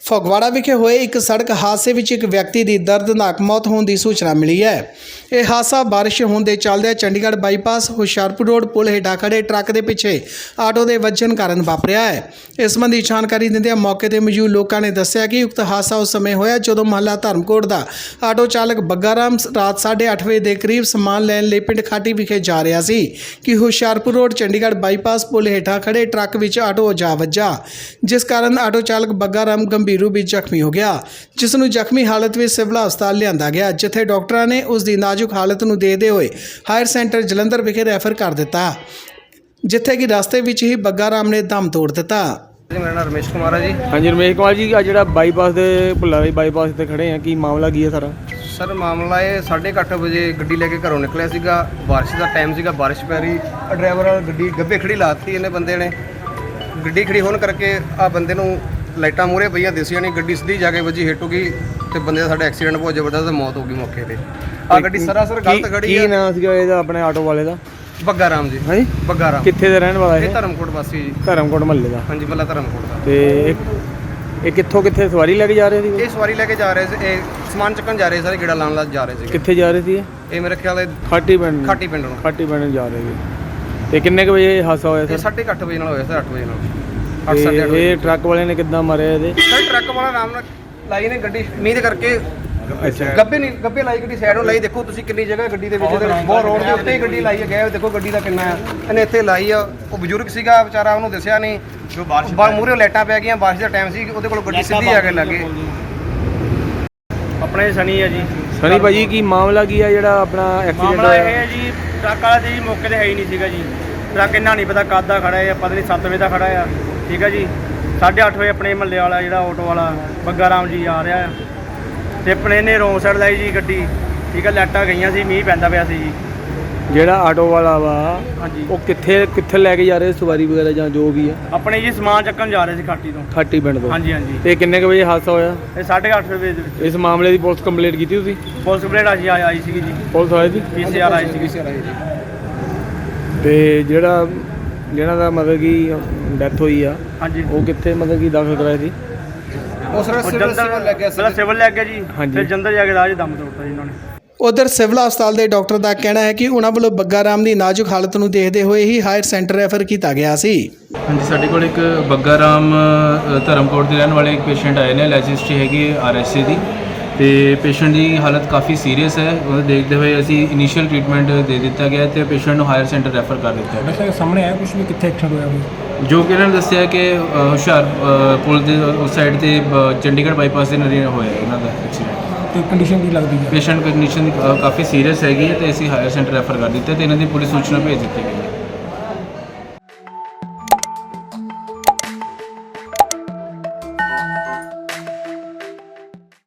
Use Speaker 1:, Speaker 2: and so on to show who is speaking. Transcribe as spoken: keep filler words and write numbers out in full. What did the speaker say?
Speaker 1: ਫਗਵਾੜਾ ਵਿਖੇ ਹੋਏ ਇੱਕ ਸੜਕ ਹਾਦਸੇ ਵਿੱਚ ਇੱਕ ਵਿਅਕਤੀ ਦੀ ਦਰਦਨਾਕ ਮੌਤ ਹੋਣ ਦੀ ਸੂਚਨਾ ਮਿਲੀ ਹੈ। ਇਹ ਹਾਦਸਾ ਬਾਰਿਸ਼ ਹੋਣ ਦੇ ਚੱਲਦਿਆਂ ਚੰਡੀਗੜ੍ਹ ਬਾਈਪਾਸ ਹੁਸ਼ਿਆਰਪੁਰ ਰੋਡ ਪੁਲ ਹੇਠਾਂ ਖੜੇ ਟਰੱਕ ਦੇ ਪਿੱਛੇ ਆਟੋ ਦੇ ਵੱਜਣ ਕਾਰਨ ਵਾਪਰਿਆ ਹੈ। ਇਸ ਸੰਬੰਧੀ ਜਾਣਕਾਰੀ ਦਿੰਦਿਆਂ ਮੌਕੇ ਤੇ ਮੌਜੂਦ ਲੋਕਾਂ ਨੇ ਦੱਸਿਆ ਕਿ ਉਕਤ ਹਾਦਸਾ ਉਸ ਸਮੇਂ ਹੋਇਆ ਜਦੋਂ ਮਹੱਲਾ ਧਰਮਕੋਟ ਦਾ ਆਟੋ ਚਾਲਕ ਬੱਗਾ ਰਾਮ ਰਾਤ ਸਾਢੇ ਅੱਠ ਵਜੇ ਦੇ ਕਰੀਬ ਸਮਾਨ ਲੈਣ ਲਈ ਪਿੰਡ ਖਾਟੀ ਵਿਖੇ ਜਾ ਰਿਹਾ ਸੀ ਕਿ ਹੁਸ਼ਿਆਰਪੁਰ ਰੋਡ ਚੰਡੀਗੜ੍ਹ ਬਾਈਪਾਸ ਪੁਲ ਹੇਠਾਂ ਖੜੇ ਟਰੱਕ ਵਿੱਚ ਆਟੋ ਜਾ ਵੱਜਾ, ਜਿਸ ਕਾਰਨ ਆਟੋ ਚਾਲਕ ਬੱਗਾ ਰਾਮ ਗੰਭੀਰ रूप में जख्मी हो गया, जिसनों जख्मी हालत में सिविल हस्पताल लिया गया, जिथे डॉक्टर ने उसकी नाजुक हालत को देखते हुए हायर सेंटर जलंधर विखे रैफर कर दिता, जिथे कि रास्ते में ही बग्गा राम ने दम तोड़ दिता।
Speaker 2: मेरा नाम रमेश कुमार है जी।
Speaker 3: हाँ जी रमेश कुमार जी, जो बाईपास के भुल्ला बाईपास से खड़े हैं, की मामला की है सारा?
Speaker 2: सर मामला ये साढ़े अठ बजे गड्डी लेके घरों निकलिया सीगा, बारिश का टाइम सीगा, बारिश पै रही, ड्राइवर गड्डी गब्बे खड़ी लाती इन्हें बंदे ने, गड्डी खड़ी होने करके आ बंदे नूं लाइटा मूहरे पईयां दिसियां नहीं, गड्डी सीधी जाके वजी हिट हो गई तो बंदे का साडा एक्सीडेंट बहुत जबरदस्त मौत हो गई मौके पे। आ गड्डी सरासर गलत खड़ी है।
Speaker 3: की नाम सीगा ਇਹਦਾ ਆਪਣੇ ਆਟੋ ਵਾਲੇ ਦਾ?
Speaker 2: ਬੱਗਾ ਰਾਮ ਜੀ।
Speaker 3: ਹਾਂਜੀ
Speaker 2: ਬੱਗਾ ਰਾਮ
Speaker 3: ਕਿੱਥੇ ਦਾ ਰਹਿਣ ਵਾਲਾ ਹੈ?
Speaker 2: ਇਹ ਧਰਮਕੋਟ ਵਾਸੀ ਜੀ।
Speaker 3: ਧਰਮਕੋਟ ਮਹੱਲੇ ਦਾ?
Speaker 2: ਹਾਂਜੀ ਮਹੱਲਾ ਧਰਮਕੋਟ ਦਾ।
Speaker 3: ਤੇ ਇਹ ਕਿੱਥੋਂ ਕਿੱਥੇ ਸਵਾਰੀ ਲੈ ਕੇ ਜਾ ਰਹੇ ਸੀ?
Speaker 2: ਇਹ ਸਵਾਰੀ ਲੈ ਕੇ ਜਾ ਰਹੇ ਸੀ, ਇਹ ਸਮਾਨ ਚੱਕਣ ਜਾ ਰਹੇ ਸਾਰੇ, ਗੇੜਾ ਲਾਉਣ ਲਾ ਜਾ ਰਹੇ ਸੀ।
Speaker 3: ਕਿੱਥੇ ਜਾ ਰਹੇ ਸੀ?
Speaker 2: ਇਹ ਮੇਰੇ ਖਿਆਲ ਹੈ
Speaker 3: ਖਾਟੀ ਪਿੰਡ।
Speaker 2: ਖਾਟੀ ਪਿੰਡ ਨੂੰ
Speaker 3: ਖਾਟੀ ਪਿੰਡ ਜਾ ਰਹੇ ਸੀ। ਤੇ ਕਿੰਨੇ ਕੁ ਵਜੇ ਹਾਦਸਾ ਹੋਇਆ
Speaker 2: ਇਹ
Speaker 3: ਸਰ?
Speaker 2: ਸਾਢੇ ਅੱਠ ਵਜੇ ਨਾਲ ਹੋਇਆ ਸਰ, ਅੱਠ ਵਜੇ ਨਾਲ।
Speaker 3: ਇਹ ਟਰੱਕ ਵਾਲੇ ਨੇ ਕਿੱਦਾਂ ਮਾਰਿਆ ਇਹਦੇ?
Speaker 2: ਸਰ ਟਰੱਕ ਵਾਲਾ ਆਰਾਮ ਨਾਲ ਲਾਈ ਨੇ ਗੱਡੀ ਮੀਂਹ ਦੇ ਕਰਕੇ,
Speaker 3: ਅੱਛਾ
Speaker 2: ਗੱਬੇ ਨਹੀਂ ਗੱਬੇ ਲਾਈ ਗੱਡੀ ਸਾਈਡ ਨੂੰ ਲਾਈ। ਦੇਖੋ ਤੁਸੀਂ ਕਿੰਨੀ ਜਗ੍ਹਾ ਗੱਡੀ ਦੇ ਵਿੱਚ, ਬਹੁਤ ਰੋਡ ਦੇ ਉੱਤੇ ਹੀ ਗੱਡੀ ਲਾਈ ਹੈ। ਗਏ ਦੇਖੋ ਗੱਡੀ ਦਾ ਕਿੰਨਾ ਆ, ਇਹਨੇ ਇੱਥੇ ਲਾਈ ਆ। ਉਹ ਬਜ਼ੁਰਗ ਸੀਗਾ ਵਿਚਾਰਾ, ਉਹਨੂੰ ਦੱਸਿਆ ਨਹੀਂ, ਜੋ ਬਾਰਿਸ਼ ਮੂਹਰੇ ਲਾਈਟਾਂ ਪੈ ਗਈਆਂ, ਬਾਰਿਸ਼ ਦਾ ਟਾਈਮ ਸੀ, ਉਹਦੇ ਕੋਲ ਗੱਡੀ ਸਿੱਧੀ ਆ ਕੇ ਲੱਗੇ।
Speaker 4: ਆਪਣੇ ਸਨੀ ਹੈ ਜੀ।
Speaker 3: ਸਨੀ ਭਾਜੀ ਕੀ ਮਾਮਲਾ ਕੀ ਆ ਜਿਹੜਾ ਆਪਣਾ ਐਕਸੀਡੈਂਟ
Speaker 4: ਮਾਮਲਾ
Speaker 3: ਹੋਇਆ?
Speaker 4: ਇਹ ਹੈ ਜੀ, ਟਰੱਕ ਵਾਲਾ ਜੀ ਮੌਕੇ ਤੇ ਹੈ ਹੀ ਨਹੀਂ ਸੀਗਾ ਜੀ। ਟਰੱਕ ਇੰਨਾ ਨਹੀਂ ਪਤਾ ਕਦ ਦਾ ਖੜਾ ਹੈ, ਪਤਾ ਨਹੀਂ ਸੱਤ ਵਜੇ ਦਾ ਖੜਾ ਆ, ਠੀਕ ਹੈ ਜੀ। ਸਾਢੇ ਅੱਠ ਵਜੇ ਆਪਣੇ ਮਹੱਲੇ ਵਾਲਾ ਜਿਹੜਾ ਆਟੋ ਵਾਲਾ ਬੱਗਾ ਰਾਮ ਜੀ ਆ ਰਿਹਾ ਤੇ ਆਪਣੇ ਨੇ ਰੋਂਗ ਸਾਈਡ ਲਾਈ ਜੀ ਗੱਡੀ, ਠੀਕ ਹੈ। ਲਾਈਟਾਂ ਗਈਆਂ ਸੀ, ਮੀਂਹ ਪੈਂਦਾ ਪਿਆ ਸੀ ਜੀ।
Speaker 3: ਜਿਹੜਾ ਆਟੋ ਵਾਲਾ ਵਾ
Speaker 4: ਹਾਂਜੀ
Speaker 3: ਉਹ ਕਿੱਥੇ ਕਿੱਥੇ ਲੈ ਕੇ ਜਾ ਰਹੇ ਸਵਾਰੀ ਵਗੈਰਾ ਜਾਂ ਜੋ ਵੀ ਆ?
Speaker 4: ਆਪਣੇ ਜੀ ਸਮਾਨ ਚੱਕਣ ਜਾ ਰਹੇ ਸੀ ਖਾਟੀ ਤੋਂ।
Speaker 3: ਖਾਟੀ ਪਿੰਡ ਤੋਂ?
Speaker 4: ਹਾਂਜੀ ਹਾਂਜੀ।
Speaker 3: ਤੇ ਕਿੰਨੇ ਕੁ ਵਜੇ ਹਾਦਸਾ ਹੋਇਆ?
Speaker 4: ਇਹ ਸਾਢੇ ਅੱਠ ਵਜੇ ਦੇ ਵਿੱਚ।
Speaker 3: ਇਸ ਮਾਮਲੇ ਦੀ ਪੁਲਿਸ ਕੰਪਲੇਂਟ ਕੀਤੀ ਤੁਸੀਂ?
Speaker 4: ਪੁਲਿਸ ਕੰਪਲੇਂਟ ਆਈ ਆਈ ਸੀਗੀ ਜੀ,
Speaker 3: police I C?
Speaker 4: P C R I ਸੀਗੀ।
Speaker 3: ਤੇ ਜਿਹੜਾ ਜਿਹਨਾਂ ਦਾ ਮਤਲਬ ਕਿ ਡੈਥ ਹੋਈ ਆ,
Speaker 4: ਹਾਂਜੀ
Speaker 3: ਉਹ ਕਿੱਥੇ ਮਤਲਬ ਕਿ ਦਾਖਲ ਕਰਾਇਆ ਸੀ?
Speaker 2: ਉਸ ਰਸ ਸਿਵਲ ਲੱਗ ਗਿਆ
Speaker 4: ਪਹਿਲਾਂ ਸਿਵਲ ਲੱਗ ਗਿਆ ਜੀ,
Speaker 3: ਹਾਂਜੀ।
Speaker 4: ਫਿਰ ਜੰਦਰ ਜਾ ਕੇ ਰਾਜ ਦਮ ਤੋੜਤਾ ਜੀ ਉਹਨਾਂ ਨੇ।
Speaker 1: उधर सिविल हस्पताल के डॉक्टर का कहना है कि उन्होंने वालों बग्गा राम की नाजुक हालत को देखते हुए ही हायर सेंटर रैफर किया गया सी।
Speaker 5: हाँ जी, साढ़े को एक बग्गा राम धर्मकोट के रहने वाले एक पेशेंट आए हैं, अलर्जी हिस्ट्री हैगी आर एस ए की, तो पेशेंट की हालत काफ़ी सीरीयस है। वो देखते हुए असी इनीशियल ट्रीटमेंट दे दिता गया तो पेशेंट को हायर सेंटर रैफर कर दिता है।
Speaker 6: वैसे सामने आया कुछ भी कितने एक्सीडेंट होया?
Speaker 5: जो कि इन्होंने दसिया कि हुशियार पुल के उस साइड से चंडीगढ़ बाईपास के नज़दीक होया इन्हों एक्सीडेंट।
Speaker 6: तो कंडीशन की लगती है?
Speaker 5: पेशेंट कंडीशन काफ़ी सीरीयस हैगी, तो असी हायर सेंटर रैफर कर दिता, तो इन्हों की पुलिस सूचना भेज दी गई है।